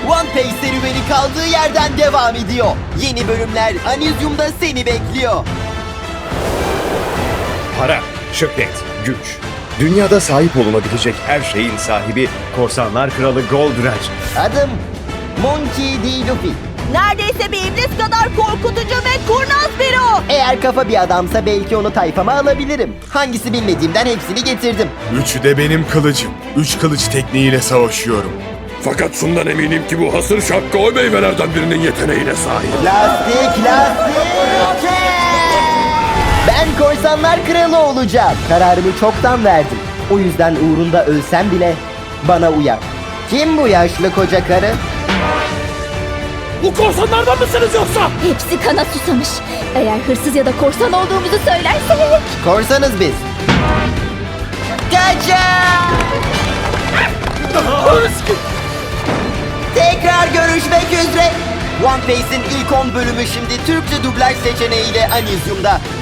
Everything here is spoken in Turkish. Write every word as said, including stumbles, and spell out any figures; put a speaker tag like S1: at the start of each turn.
S1: One Piece serüveni kaldığı yerden devam ediyor. Yeni bölümler Anizyum'da seni bekliyor.
S2: Para, şöhret, güç. Dünyada sahip olunabilecek her şeyin sahibi Korsanlar Kralı Goldrach.
S1: Adım Monkey D. Luffy.
S3: Neredeyse bir iblis kadar korkutucu ve kurnaz biri o.
S1: Eğer kafa bir adamsa belki onu tayfama alabilirim. Hangisi bilmediğimden hepsini getirdim.
S4: Üçü de benim kılıcım. Üç kılıç tekniğiyle savaşıyorum.
S5: Fakat şundan eminim ki bu hasır şapka o meyvelerden birinin yeteneğine sahip.
S1: Lastik, lastik! Ben Korsanlar Kralı olacağım. Kararımı çoktan verdim. O yüzden uğrunda ölsem bile bana uyar. Kim bu yaşlı koca karı?
S5: Bu korsanlardan mısınız yoksa?
S3: Hepsi kana susamış. Eğer hırsız ya da korsan olduğumuzu söylersek.
S1: Korsanız biz. Kaçın! Tekrar görüşmek üzere. One Piece'in ilk on bölümü şimdi Türkçe dublaj seçeneğiyle Anizyum'da.